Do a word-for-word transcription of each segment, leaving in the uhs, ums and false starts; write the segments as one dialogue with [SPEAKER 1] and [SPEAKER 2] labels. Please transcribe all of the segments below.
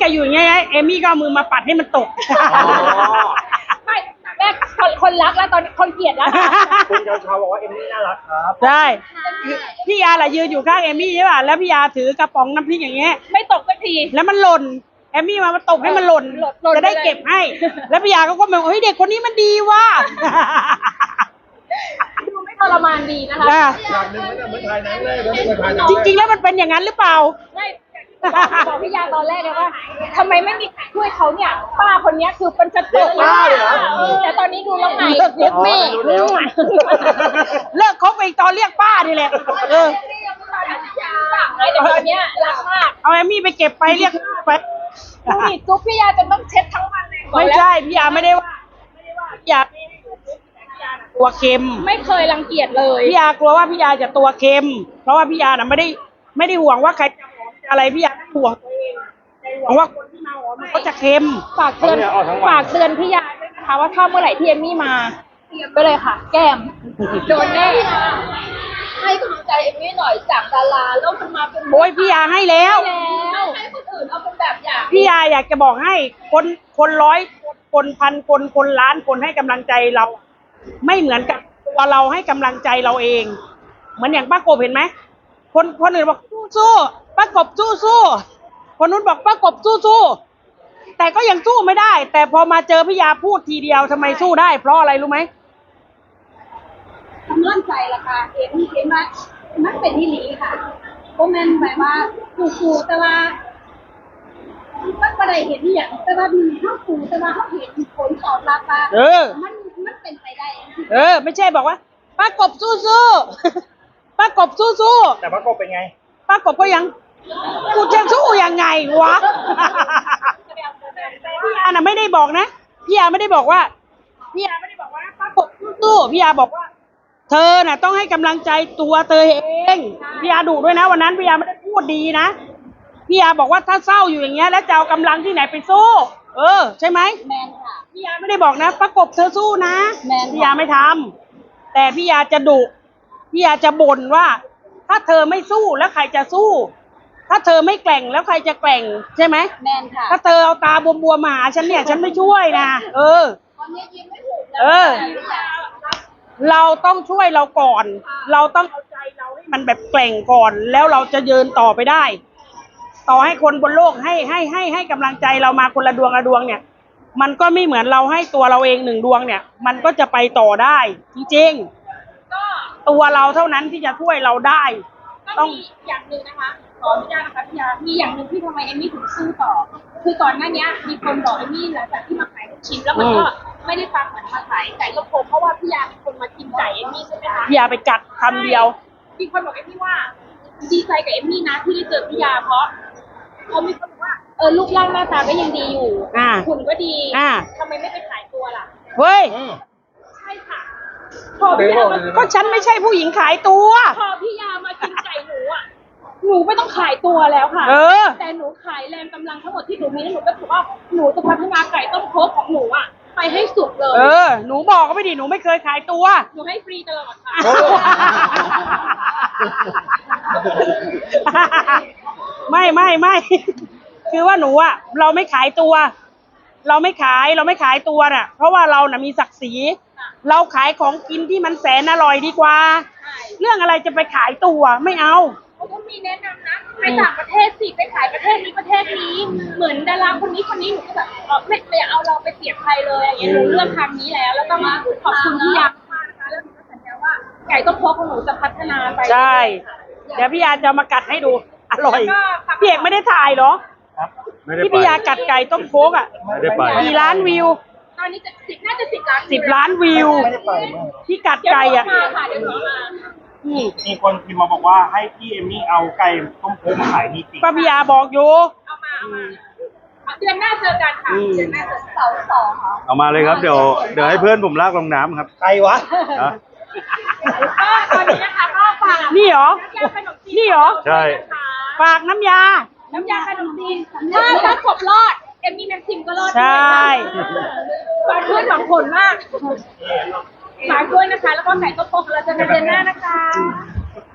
[SPEAKER 1] จะอยู่อย่างเงี้ยเอมี่ก็เอามือมาปัดให้มันตก
[SPEAKER 2] ไม่แรกคนคนรักแล้วตอนคนเกลียดแล้ว
[SPEAKER 3] คุณชาวชาวบอกว่าเอมมี่น่ารักครับ
[SPEAKER 1] ใช่พี่ยาแหละยืนอยู่ข้างเอมี่ใช่ป่ะแล้วพี่ยาถือกระป๋องน้ำพริกอย่างเงี้ย
[SPEAKER 2] ไม่ตกสักที
[SPEAKER 1] แล้วมันหล่นเอมี่มามาตบให้มันหล่นจะได้เก็บให้แล้วพี่ยาก็ก็มองเฮ้ยเด็กคนนี้มันดีว่ะ
[SPEAKER 2] ดูไม่ทรมานดีนะคะ
[SPEAKER 3] อย่างหนึ่งมันเหมือนถ่ายหนังเลยเหมือนถ่ายหนัง
[SPEAKER 1] จริงๆแล้วมันเป็นอย่างนั้นหรือเปล่า
[SPEAKER 2] ไม่บอกพี่ยาตอนแรกเลยว่าทำไมไม่มีใครช่วยเขาเนี่ยป้าคนนี้คือเป็นกระตุกมากแต่ตอนนี้ดูแล้วไงเรียกแม่
[SPEAKER 1] เลิกคบไปตอนเรียกป้านี่แหละเออ
[SPEAKER 2] แต่ตอนนี้รักมาก
[SPEAKER 1] เอาเอมี่ไปเก็บไปเรียกไป
[SPEAKER 2] ดูดิจุ๊บพี่ยาจนต้องเช็ดทั้งวันเลย
[SPEAKER 1] ไม่ใช่พี่ยาไม่ได้ว่าพี่ยาตัวเค็ม
[SPEAKER 2] ไม่เคยรังเกียจเลย
[SPEAKER 1] พี่ยากลัวว่าพี่ยาจะตัวเค็มเพราะว่าพี่ยาน่ะไม่ได้ไม่ได้ห่วงว่าใครจะหอมอะไรพี่ยาห่วงตัวเองห่วงว่าคนที่มาหอมมันก็จะเค็ม
[SPEAKER 2] ฝากเตือนฝากเตือนพี่ยาด้วยนะคะว่าถ้าเมื่อไหร่ที่เอมมี่มาเตรียมไปเลยค่ะแก้มโดนแน่ให้กำลังใจเอมมี่หน่อยจากดาราแล้วมันมาเป็น
[SPEAKER 1] โอ้ยพี่ยาให้แล้ว
[SPEAKER 2] ให้คนอื่นเอาเป็นแบบอย่าง
[SPEAKER 1] พี่ยาอยากจะบอกให้คนคนร้อยคนพันคนคนล้านคนให้กำลังใจเราไม่เหมือนกับตัวเราให้กำลังใจเราเองเหมือนอย่างป้ากบเห็นไหมคนคนอื่นบอกสู้สู้ป้ากบสู้สู้คนนู้นบอกป้ากบสู้สู้แต่ก็ยังสู้ไม่ได้แต่พอมาเจอพี่ยาพูดทีเดียวทำไมสู้ได้เพราะอะไรรู้ไหม
[SPEAKER 2] กำลังใจละค่ะเห็นเห็นว่ามันเป็นที่หลีค่ะโมเมนต์แบบว่าสู้ๆแต่ว่ามันไม่ได้เห็นอย่างแต่ว่ามีเขาสู้แต่ว่าเขาเห็นผลตอบรับว่า
[SPEAKER 1] เออ
[SPEAKER 2] มันมันเป็นไปได้
[SPEAKER 1] เออไม่ใช่บอกว่าป้ากบสู้สู้ป้ากบสู้สู้
[SPEAKER 3] แต่ป้ากบเป็นไง
[SPEAKER 1] ป้ากบก็ยังกูจะสู้ยังไงวะพี่ยาน่ะไม่ได้บอกนะพี่ยาไม่ได้บอกว่าพี่ยาไม่ได้บอกว่าป้ากบสู้สู้พี่ยาบอกว่าเธอน่ะต้องให้กำลังใจตัวเธอเองพี่ยาดุด้วยนะวันนั้นพี่ยาไม่ได้พูดดีนะพี่ยาบอกว่าถ้าเศร้าอยู่อย่างเงี้ยแล้วจะเอากำลังที่ไหนไปสู้เออใช่ไหม
[SPEAKER 2] แมนค่ะ
[SPEAKER 1] พี่ยาไม่ได้บอกนะประกบเธอสู้นะพี่ยาไม่ทำแต่พี่ยาจะดุพี่ยาจะบ่นว่าถ้าเธอไม่สู้แล้วใครจะสู้ถ้าเธอไม่แกร่งแล้วใครจะแกร่งใช่ไหม
[SPEAKER 2] แมนค่ะ
[SPEAKER 1] ถ้าเธอเอาตาบวมๆมาหาฉันเนี่ยฉันไม่ช่วยนะเออเออเราต้องช่วยเราก่อนเราต้องเอาใจเราให้มันแบบแกร่งก่อนแล้วเราจะเดินต่อไปได้ต่อให้คนบนโลกให้ให้ให้ให้กำลังใจเรามาคนละดวงละดวงเนี่ยมันก็ไม่เหมือนเราให้ตัวเราเองหนึ่งดวงเนี่ยมันก็จะไปต่อได้จริงๆก็ตัวเราเท่านั้นที่จะช่วยเราได้
[SPEAKER 2] ต้องมีอย่างหนึ่งนะคะขออนุญาตนะคะพี่ยามีอย่างหนึ่งที่ทำไมเอมมี่ถึงสู้ต่อคือก่อนหน้านี้มีคนบอกเอมมี่หลังจากที่มาขายลูกชิ้นแล้วมันก็ไม่ได้ฟังเหมือนมาขายไก่ลูกโป่งเพราะว่าพี่ยาเป็นคนมากินไก่เอมมี่ใช่ไหมคะ
[SPEAKER 1] พี่ยาไปกัดคำเดียว
[SPEAKER 2] มีคนบอกเอมมี่ว่าดีใจกับเอมมี่นะที่ได้เจอพี่ยาเพราะเขามีคนบอกว่าเออรูปร่างหน้าตาก็ยังดีอยู่หุ่นก็ดีทำไมไม่ไปขายตัวล่ะ
[SPEAKER 1] เฮ้ย
[SPEAKER 2] ใช่ค่ะ
[SPEAKER 1] พอพี่ยาก็ฉันไม่ใช่ผู้หญิงขายตัว
[SPEAKER 2] พอพี่ยามากินไก่หนูอ่ะหนูไม่ต้องขายตัวแล้วค่ะแต่หนูขายแรงกำลังทั้งหมดที่หนูมีแล้วหนูก็ถือว่าหนูจะพัฒนาไก่ต้มโคกของหนูอ่ะไปให้สุดเลย
[SPEAKER 1] เออหนูบอกก็ไม่ดีหนูไม่เคยขายตัว
[SPEAKER 2] หนูให้ฟรีตลอดค่ะ
[SPEAKER 1] ไม่ไม่ไม่คือว่าหนูอ่ะเราไม่ขายตัวเราไม่ขายเราไม่ขายตัวน่ะเพราะว่าเราน่ะมีศักดิ์ศรีเราขายของกินที่มันแสนอร่อยดีกว่าเรื่องอะไรจะไปขายตัวไม่เอา
[SPEAKER 2] เขาก็มีแนะนำนะไปต่างประเทศสิไปขายประเทศนี้ประเทศนี้เหมือนดาราคนนี้คนนี้หนูก็แบบไม่ไม่เอาเราไปเสียบใครเลยอย่างเงี้ยหนูเลือกทางนี้แล้วแล้วก็มาขอบคุณพี่ยามากนะคะแล้วหนูก็สัญญาว่าไก่ต้มโคกของหนูจะพัฒนาไป
[SPEAKER 1] ใช่เดี๋ยวพี่ยาจะมากัดให้ดูอร่อยพี่เอกไม่ได้ถ่ายเหรอที่พี่ยากัดไก่ต้มโคกอ่ะกี่ล้านวิว
[SPEAKER 2] ตอนนี้จะสิบน่าจะสิบล้าน
[SPEAKER 1] สิบล้านวิวที่กัดไก่อ่ะ
[SPEAKER 3] มีคนพิมพ์มาบอกว่าให้พี่เอมมี่เอาไก่ต้มโค้งมาขายนี่จริง
[SPEAKER 1] ป้าพิยาบอกอยู่
[SPEAKER 2] เอามาเอามาเดือนหน้าเจอกันค่ะเดือนหน้าเจอเสาร์สองค่ะ
[SPEAKER 4] เอามาเลยครับเดี๋ยวเดี๋ยวให้เพื่อนผมลากลงน้ำครับ
[SPEAKER 3] ใครวะ
[SPEAKER 2] ก็ตอนนี้นะคะก็ฝาก
[SPEAKER 1] นี่เหรอนี่เหรอ
[SPEAKER 4] ใช่
[SPEAKER 1] ฝากน้ำยา
[SPEAKER 2] น้ำยาขนมจีนถ้าถ้าครบรอดเอมมี่แม็กซิมก็รอด
[SPEAKER 1] ใช่
[SPEAKER 2] ฝากด้วยสองผลมากฝากด้วยนะคะแล้วก็ไก่ต้มโคกเราจะเดือนหน้านะคะ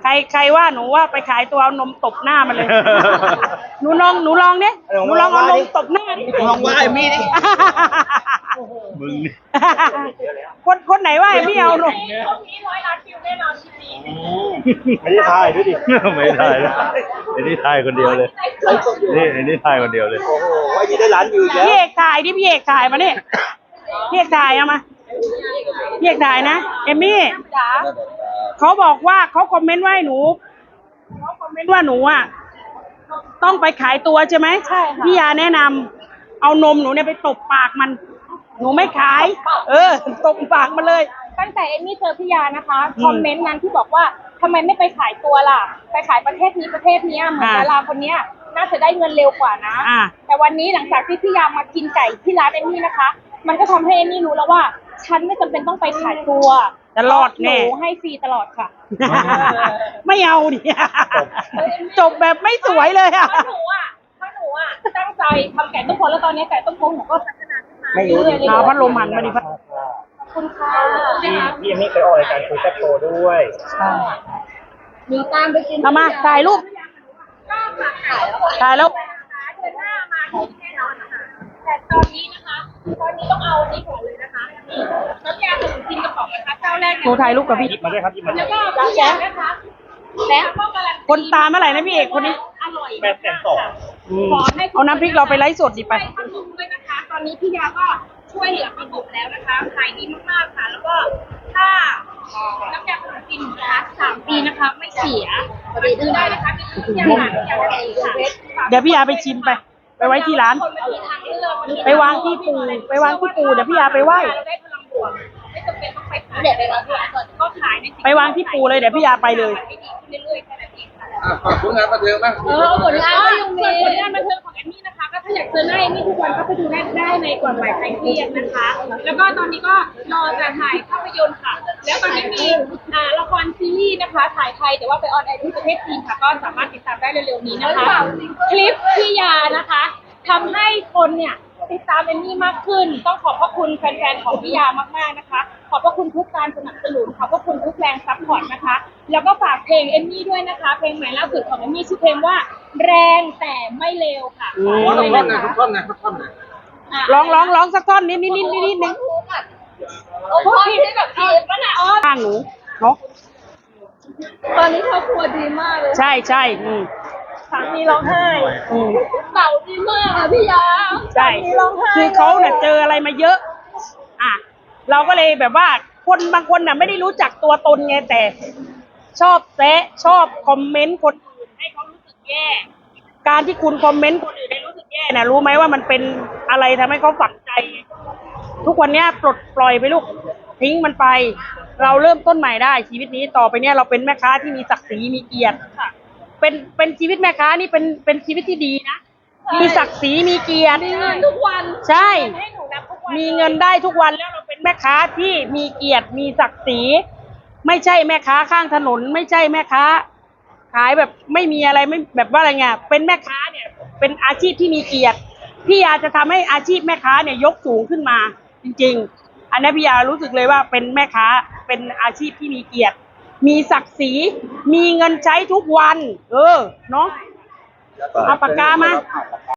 [SPEAKER 1] ใครใครว่าหนูว่าไปขายตัวเอานมตบหน้ามันเลย หนูลองหนูลองเนี่ยหนูลองเอานมตบหน้าดิ
[SPEAKER 5] ลองว่าไอ้มี่ดิ
[SPEAKER 4] มึงนี่
[SPEAKER 1] คนคนไหนว่าพี่เอานม
[SPEAKER 2] ช่วงนี้ร้อยล้านวิวแน่นอนคลิปนี้
[SPEAKER 3] ไม่ได้ถ่ายด้วยดิ
[SPEAKER 4] ไม่ได้นะไอ้นี่ถ่ายคนเดียวเลย นี่ไอ้นี่ถ่ายคนเดียวเลย
[SPEAKER 5] โอ้โหไอ้นี่ได้ล้านวิวอีกแล้ว
[SPEAKER 1] พี่เอกถ่ายดิพี่เอกถ่ายมาเนี่ยพี่เอกถ่ายเอามาพี่เอกถ่ายนะเอมมี่
[SPEAKER 2] จ๋า
[SPEAKER 1] เขาบอกว่าเขาคอมเมนต์ว่าให้หนูเขาคอมเมนต์ว่าหนูอ่ะต้องไปขายตัวใช่ไหมใช่ค่ะพี่ยาแนะนำเอานมหนูเนี่ยไปตบปากมัน หนูไม่ขาย เออตบปากมันเลย
[SPEAKER 2] ตั้งแต่เอมมี่เจอพี่ยานะคะคอมเมนต์นั้นที่บอกว่าทำไมไม่ไปขายตัวล่ะ ไปขายประเทศนี้ประเทศเนี้ยเหมือน
[SPEAKER 1] อ่า
[SPEAKER 2] ดาราคนเนี้ยน่าจะได้เงินเร็วกว่านะ
[SPEAKER 1] อ่า
[SPEAKER 2] แต่วันนี้หลังจากที่พี่ยามากินไก่ที่ร้านเอมมี่นะคะ มันก็ทำให้เอมมี่รู้แล้วว่า ฉันไม่จำเป็นต้องไปขายตัว
[SPEAKER 1] จะรอดแน่
[SPEAKER 2] หนูให้ฟรีตลอดค่ะ
[SPEAKER 1] ไม่เอาดิ จบแบบไม่สวยเลยอ่ะ
[SPEAKER 2] เพราะหนูอ่ะเพราะหนูอ่ะตั้งใจทำไก่ต้มโพแล้วตอนนี้ไก่ต้มโพหนูก็พัฒนาขึ้นมา
[SPEAKER 5] ไม่รู้ดิ
[SPEAKER 2] เรื่อยๆ
[SPEAKER 1] เอาพัดลมหันมาดิพัด
[SPEAKER 2] ขอบคุณค่ะ
[SPEAKER 3] พี่พี่เอมมี่เคยออกรายการคุยแซ่บโชว์ด้วย
[SPEAKER 2] มีตามไปกิน
[SPEAKER 1] เอามาถ่ายรูป
[SPEAKER 2] ก็ฝากขายแล้ว
[SPEAKER 1] ถ่ายแล้ว
[SPEAKER 2] เดือนหน้ามาที่แน่นอนนะคะแต่ตอนนี้นะคะ ตอนนี้ต้องเอานี้ก่อนเลยนะคะนี่น้ำยาขนมจีนกระป๋องนะคะเจ้าแรก
[SPEAKER 1] หนูถ่ายรูปกับพี่
[SPEAKER 3] หยิบมาด้วยครับหยิบมาด้
[SPEAKER 2] แล้ว
[SPEAKER 3] วย
[SPEAKER 2] ก็พี่ยานะคะแล้วก็การันตี
[SPEAKER 1] คนตามเมื่อไหร่นะพี่เอกคนนี้
[SPEAKER 2] อร่อย
[SPEAKER 3] แปดแสนสอง
[SPEAKER 1] อืม
[SPEAKER 2] ขอให้
[SPEAKER 1] เอาน้ำพริกเราไปไลฟ์สดดิไป
[SPEAKER 2] ช่วยประกบด้วยนะคะ ตอนนี้พี่ยาก็ช่วยเหลือประกบแล้วนะคะขายดีมากๆค่ะ แล้วก็ถ้าน้ำยาขนมจีนนะคะสามปีนะคะ ไม่เสียไปซื้อได้นะคะที่พี่ยาหาพี่ยาได้ค่ะ
[SPEAKER 1] เดี๋ยวพี่ยาไปชิมไป ไปไว้ที่ร้าน
[SPEAKER 2] คนมาที่ทางเลือก
[SPEAKER 1] ไปวางที่ปูไปวางที่ปูเดี๋ยวพี่ยาไปไหว้
[SPEAKER 2] ได้พลังบวกไม่จำเป็นต้องไปขายเดี๋ยวไปรับก็ขายใน
[SPEAKER 1] ไปวางที่ปูเลยเดี๋ยวพี่ยาไปเลย
[SPEAKER 2] ให้ดีขึ้นเรื่อยๆแค่นั้นเองค่ะ
[SPEAKER 5] อ่ะฝากผลงานบันเทิงบ้าง
[SPEAKER 2] เออผลงานก็ยังมีส่วนผลงานบันเทิงของแอมมี่นะคะ ก็ถ้าอยากเจอหน้าแอมมี่ทุกวันก็ไปดูได้ได้ในก่อนบ่ายใครเครียดนะคะ แล้วก็ตอนนี้ก็รอจะถ่ายภาพยนตร์ค่ะ แล้วตอนนี้มีอ่าละครซีรีส์นะคะ ถ่ายไทยแต่ว่าไปออนแอร์ที่ประเทศจีนค่ะ ก็สามารถติดตามได้เร็วๆนี้นะคะ คลิปพี่ยานะคะทำให้คนเนี่ยติดตามเอมมี่มากขึ้น ต้องขอบพระคุณแฟนๆของพี่ยามากๆนะคะ ขอบพระคุณทุกการสนับสนุนขอบพระคุณทุกแรงซัพพอร์ตนะคะ แล้วก็ฝากเพลงเอมมี่ด้วยนะคะ เพลงใหม่ล่าสุดของเอมมี่ชื่อเพลงว่า แรงแต่ไม่เลวค่ะ
[SPEAKER 1] อืม
[SPEAKER 5] ขอ
[SPEAKER 2] ฝาก
[SPEAKER 5] ทุ
[SPEAKER 2] ด้
[SPEAKER 5] ก
[SPEAKER 2] วย
[SPEAKER 5] ท่อน
[SPEAKER 2] นะ
[SPEAKER 5] นะคะ ทุกท่อนนะทุกท่อนนะ
[SPEAKER 2] ะ
[SPEAKER 1] ร้องร้องร้องสักท่อนนิดนิดนิดนิดนิดนึง
[SPEAKER 2] โอ้โหที่แบบทีมก็น่ะอ๋อ
[SPEAKER 1] ข้างหนูเนาะ
[SPEAKER 2] ตอนนี้ครอบครัวดีมากเลย
[SPEAKER 1] ใช่ใช่อืม
[SPEAKER 2] สามีร้องไห้
[SPEAKER 1] อืม
[SPEAKER 2] เต่าดีมากอะพี่ยา
[SPEAKER 1] ใช่
[SPEAKER 2] สามีร้องไห้
[SPEAKER 1] คือเขาเนี่ยเจออะไรมาเยอะ อ่ะ เราก็เลยแบบว่า คนบางคนน่ะไม่ได้รู้จักตัวตนไงแต่ ชอบแซะชอบคอมเมนต์คนอื่นให้เขารู้สึกแย่ การที่คุณคอมเมนต์คนอื่นให้รู้สึกแย่น่ะรู้ไหมว่ามันเป็นอะไรทำให้เขาฝังใจ ทุกวันเนี้ยปลดปล่อยไปลูกทิ้งมันไป เราเริ่มต้นใหม่ได้ ชีวิตนี้ต่อไปเนี้ยเราเป็นแม่ค้าที่มีศักดิ์ศรีมีเกียรติค่ะ เป็นเป็นชีวิตแม่ค้านี่เป็นเป็นชีวิตที่ดีนะ มีศักดิ์ศรีมีเกียรติ
[SPEAKER 2] มีเงินทุกวัน
[SPEAKER 1] ใช่
[SPEAKER 2] ให้หนูนับทุกวัน
[SPEAKER 1] มีเงินได้ทุกวันแล้วเราเป็นแม่ค้าที่มีเกียรติมีศักดิ์ศรีไม่ใช่แม่ค้าข้างถนน ไม่ใช่แม่ค้า ขายแบบไม่มีอะไรไม่แบบว่าอะไรเงี้ยเป็นแม่ค้าเนี่ย เป็นอาชีพที่มีเกียรติพี่ยาจะทำให้อาชีพแม่ค้าเนี่ยยกสูงขึ้นมา จริง ๆ อันนี้พี่ยารู้สึกเลยว่าเป็นแม่ค้าเป็นอาชีพที่มีเกียรติ มีศักดิ์ศรีมีเงินใช้ทุกวัน เออเนาะเอาปากกามา